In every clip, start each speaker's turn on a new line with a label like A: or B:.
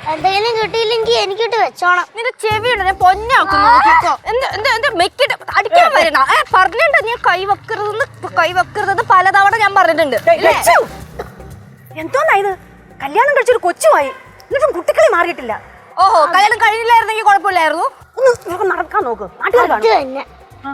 A: എന്തെങ്കിലും കിട്ടിയില്ലെങ്കിൽ എനിക്കിട്ട് വെച്ചോണം.
B: നിന്റെ ചെവിയുണ്ട് ഞാൻ പൊന്നാക്കും നോക്കിക്കോ. എന്താ മെക്കിട്ട് അടിക്കാൻ വരണ പറഞ്ഞിട്ടുണ്ട് ഞാൻ കൈവെക്കരുതെന്ന് പലതവണ ഞാൻ പറഞ്ഞിട്ടുണ്ട്.
C: എന്തോന്നാ ഇത്? കല്യാണം കഴിച്ചൊരു കൊച്ചുമായി എന്നിട്ടും കുട്ടികളെ മാറിയിട്ടില്ല.
B: ഓഹോ, കല്യാണം കഴിഞ്ഞില്ലായിരുന്നെങ്കിൽ കുഴപ്പമില്ലായിരുന്നു.
C: ഒന്ന് നടക്കാൻ നോക്ക്. നാട്ടുകാർ
A: തന്നെ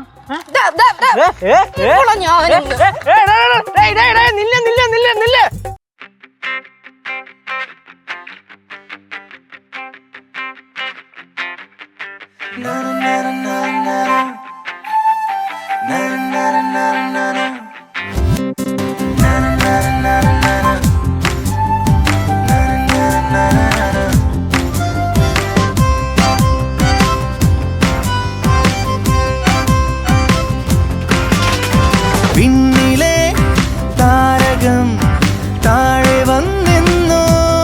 D: പിന്നിലെ താരകം താഴെ വന്നെന്നോ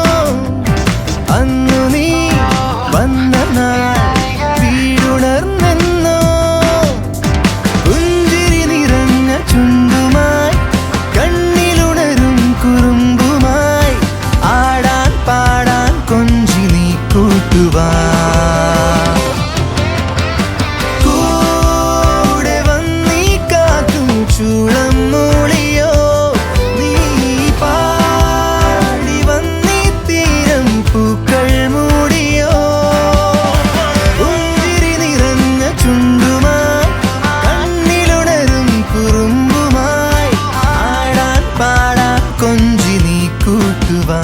D: അന്നു നീ വന്ന നാൾ വീടുണർന്നെന്നോ പുഞ്ചിരി നിറഞ്ഞ ചുണ്ടുമായി കണ്ണിലുണരും കുറുമ്പുമായി ആടാൻ പാടാൻ കൊഞ്ചി നീ കൂട്ടുവാ ചൂളം മൂളിയോ നീ പാടി വന്നീ തീരം പൂക്കൾ മൂടിയോ പുഞ്ചിരി നിറഞ്ഞ ചുണ്ടുമായി കണ്ണിലുണരും കുറുമ്പുമായി ആടാൻ പാടാൻ കൊഞ്ചി നീ കൂട്ടുവാ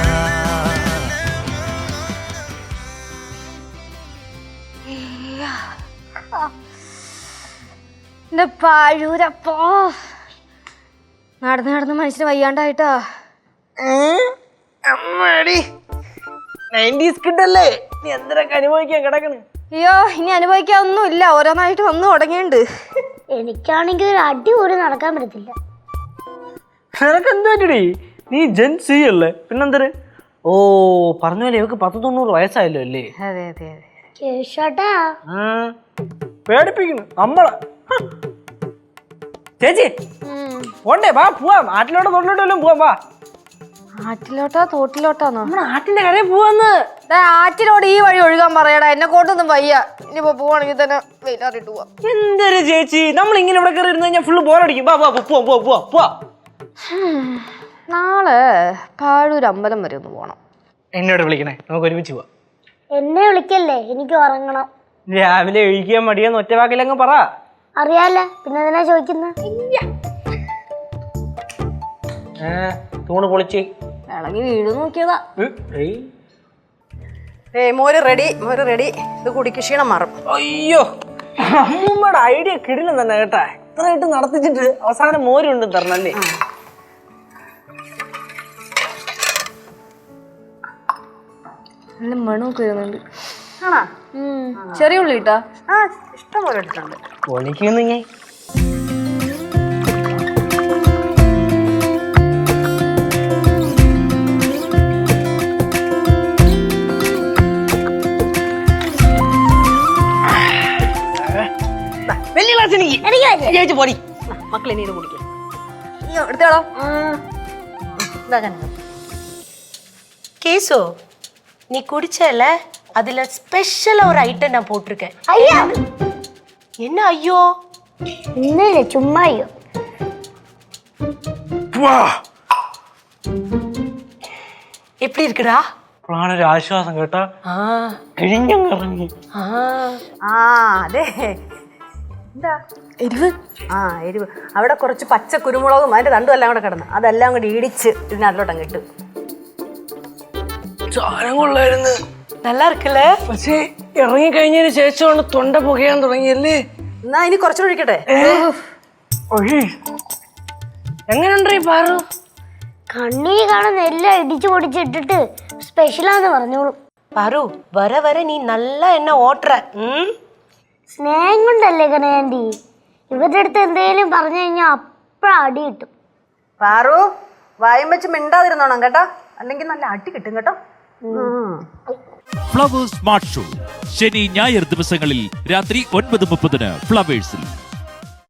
B: എന്റെ പാഴൂരപ്പോ നടന്ന് മനുഷ്യന് വയ്യാണ്ടായിട്ടാ.
E: നീ എന്തിനൊക്കെ അനുഭവിക്കാൻ കിടക്കണ്?
B: അയ്യോ, ഇനി അനുഭവിക്കാൻ ഒന്നുമില്ല, ഓരോന്നായിട്ട് വന്നു തുടങ്ങിയുണ്ട്.
A: എനിക്കാണെങ്കിൽ ഒരു അടി പോലും നടക്കാൻ പറ്റത്തില്ല.
E: നിനക്ക് എന്ത് പറ്റടി? നീ ജെൻസി അല്ലേ, പിന്നെന്തര്? ഓ പറഞ്ഞ പോലെ ഇവക്ക് 190 വയസ്സായല്ലോ അല്ലേ?
B: അതെ അതെ അതെ.
A: കേശോട്ടാ
E: പേടിപ്പിക്കുന്നു നമ്മളെ. ചേച്ചി പോണ്ടേ? വാ പോവാം. ആറ്റിലോട്ടോ തോട്ടിലോട്ടോ വല്ലതും പോവാം. വാ.
B: ആറ്റിലോട്ടാ തോട്ടിലോട്ടാന്നോ?
C: നമ്മൾ ആറ്റിന്റെ കരയിൽ പോവാന്ന്.
B: ആറ്റിലോട് ഈ വഴി ഒഴുകാൻ പറയടാ, എന്നെ കൊണ്ടൊന്നും വയ്യ. ഇനിയിപ്പോ പോവാണെങ്കിൽ തന്നെ വെയിലാറിട്ട് പോവാം.
E: എന്തൊരു ചേച്ചി, നമ്മൾ ഇങ്ങനെ ഇവിടെ കയറി ഇരുന്ന് കഴിഞ്ഞാൽ ഫുള്ള് ബോറടിക്കും. വാ വാ പോവാ.
B: നാളെ പാഴൂർ അമ്പലം വരെ ഒന്ന് പോണം.
E: എന്നോട് വിളിക്കണേ, നമുക്ക് ഒരുമിച്ച് പോവാം.
A: എന്നെ വിളിക്കല്ലേ, എനിക്ക് ഉറങ്ങണം.
E: രാവിലെ ഒഴിക്കാൻ മടിയെന്ന് ഒറ്റ വാക്കിലങ്ങ് പറ.
A: അറിയാല, പിന്നെ എന്തിനാ ചോദിക്കുന്നത്?
E: തൂണ് പൊളിച്ച്
B: ഇളകി വീട് നോക്കിയതാ.
C: മോര് റെഡി. ഇത് കുടിക്ക്, ക്ഷീണം മാറും.
E: അയ്യോ, അമ്മൂമ്മയുടെ ഐഡിയ കിടിലം തന്നെ കേട്ടാ. ഇത്രയായിട്ട് നടത്തിച്ചിട്ട് അവസാനം മോരുണ്ട് തരണല്ലേ.
B: നല്ല മണമൊക്കെ വരുന്നുണ്ട്.
C: ആണോ?
B: ചെറിയ ഉള്ളി ഇട്ടാ?
C: ഇഷ്ടം പോലെ എടുത്തുണ്ട്.
E: പൊളിക്കുന്നു ഞാൻ. വലിയ ഗ്ലാസ് എനിക്ക് പോടി.
C: മക്കളെ നീ ഇത് കുടിക്കും.
B: എടുത്തോളോ.
F: கேசு நீ குடிச்சல அதுல ஸ்பெஷலா ஒரு ஐட்டம் நான் போட்டிருக்கேன்.
A: ஐயா,
F: என்ன ஐயோ?
A: ഇന്നലെ ചുമ്മാ അയ്യോ.
F: எப்படி இருக்குடா?
E: ഒരു ആശ്വാസം കേട്ടാ. കിഴിഞ്ഞിറങ്ങി.
C: അതെ. എന്താ എരിവ്? എരിവ്. അവിടെ കുറച്ച് പച്ച കുരുമുളകും അതിന്റെ തണ്ടും എല്ലാം കൂടെ കിടന്നു, അതെല്ലാം കൂടി ഇടിച്ച് ഇതിനകത്തോട്ടം കിട്ടും.
E: സാധനം കൊള്ളായിരുന്നു.
F: நல்லா இருக்குல்ல?
E: പക്ഷേ ഇറങ്ങി കഴിഞ്ഞതിന് ശേഷമാണ് തൊണ്ട പുകയാൻ തുടങ്ങിയല്ലേ.
C: എന്നാ ഇനി കുറച്ചുകൂടി ഒഴിക്കട്ടെ?
E: എങ്ങനെയുണ്ട് ഈ പാറു?
A: കണ്ണിന് കാണുന്ന എല്ലാം ഇടിച്ചു പൊടിച്ചിട്ടിട്ട് സ്പെഷ്യലാന്ന് പറഞ്ഞോളൂ.
F: பாரு வர வர நீ நல்லா என்ன ஓட்ற.
A: സ്നേഹം കൊണ്ടല്ലേ കനകാന്റി. ഇവരുടെ അടുത്ത് എന്തെങ്കിലും പറഞ്ഞു കഴിഞ്ഞാൽ അപ്പഴ അടി കിട്ടും.
C: പാറു, വായം വെച്ച് മിണ്ടാതിരുന്നോണം കേട്ടോ, അല്ലെങ്കിൽ നല്ല അടി കിട്ടും കേട്ടോ.
G: ഫ്ലവേഴ്സ് സ്മാർട്ട് ഷോ ശനി ഞായർ ദിവസങ്ങളിൽ രാത്രി 9:30 ഫ്ലവേഴ്സിൽ.